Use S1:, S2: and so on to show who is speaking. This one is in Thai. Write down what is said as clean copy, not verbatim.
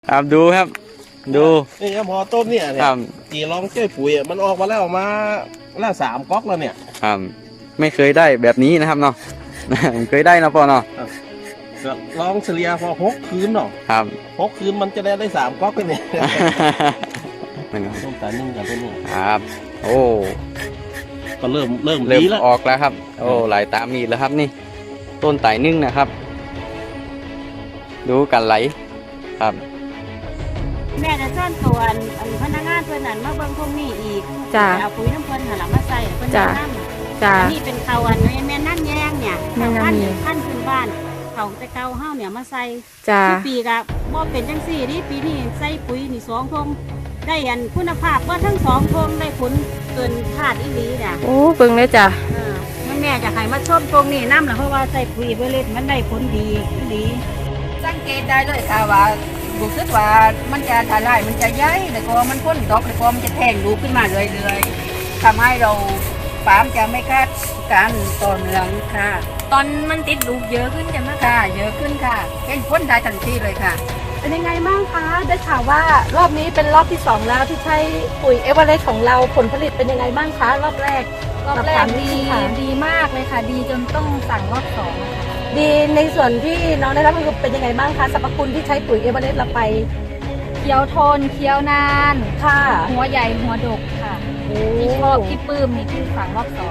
S1: ครับดูครับ ดู
S2: นี่ครับพอต้มเนี่ย
S1: ครับ
S2: จีลองช่วยปุ๋ยมันออกมาแล้วออกมาละ3 ก๊อกแล้วเนี่ย
S1: ครับไม่เคยได้แบบนี้นะครับเนาะ ผมเคยได้นะปอเนาะ
S2: ก็ลองเฉลี่ยพอ6 คืนเนาะ
S1: ครับ
S2: 6 คืนมันจะได้3 ก๊อกเลยเนี่ย
S1: นะครับ
S2: ต้มตานึ่งกับตัวนี้
S1: ครับ โอ้
S2: ก็เริ่ม
S1: เริ่ม
S2: ดีแล้ว
S1: ออกแล้วครับ โอ้หลายตามมีแล้วครับนี่ ต้นไต่นึ่งนะครับ ดูกันไหลครับ
S3: แม่จะซ่อนตัวอันพนักงานเพื่อนนั่นมาเบิ่งพวกนี้อีก
S4: จ้ะ
S3: เอาปุ๋ยน้ำเพิ่นหาหลังมาใส่เพิ่น
S4: จ้ะ
S3: แนะนำ
S4: จ้า
S3: อันนี้เป็นเขาอันแม่นั่นแยงเนี่ย
S4: แม่นั่
S3: พั
S4: น
S3: น
S4: แยง
S3: พันขึ้นบ้านเขาแต่เก่าเฮาเนี่ยมาใส่
S4: จ้า
S3: ทุกปีก็บ่เป็นจังซี่นี่ปีนี้ใส่ปุ๋ยนี่2 ทงได้อันคุณภาพว่าทั้ง2 ทงได้ผลเกินคาดอีหลีน่ะ
S4: โอ้เบิ่งเลยจ้า
S3: แม่จะให้มาชมตรงนี้น้ำล่ะเพราะว่าใส่ปุ๋ยไปเลยมันได้ผลดีอีหลี
S5: สังเกตได้เลยค่ะว่ารู้สึกว่ามันจะทลายมันจะใหญ่แต่ก็มันพ้นดอกแต่ก็มันจะแทงลูกขึ้นมาเรื่อยๆทำให้เราฟาร์มจะไม่คาดการต่อเนื่องค่ะ
S4: ตอนมันติดลูกเยอะขึ้นจะมาก
S5: ค่ะเยอะขึ้นค่ะเห็นพ้นได้ทันทีเลยค่ะ
S4: เป็นยังไงบ้างคะได้ข่าวว่ารอบนี้เป็นรอบที่2แล้วที่ใช้ปุ๋ยเอเวอเรสต์ของเราผลผลิตเป็นยังไงบ้างคะรอบแรก
S6: รอบแรกดี
S4: ค่ะ
S6: ดีมากเลยค่ะ ดีจนต้องสั่งรอบ2อะค่ะ
S4: ดีในส่วนที่น้องได้รับคือเป็นยังไงบ้างคะสรรพคุณที่ใช้ปุ๋ยเอเวอเรสต์เราไป
S6: เคี้ยวทนเคี้ยวนาน
S4: ค่ะ
S6: หัวใหญ่หัวดกค่ะ ที่ชอบที่ปลื้มนี่คือสั่งรอบ2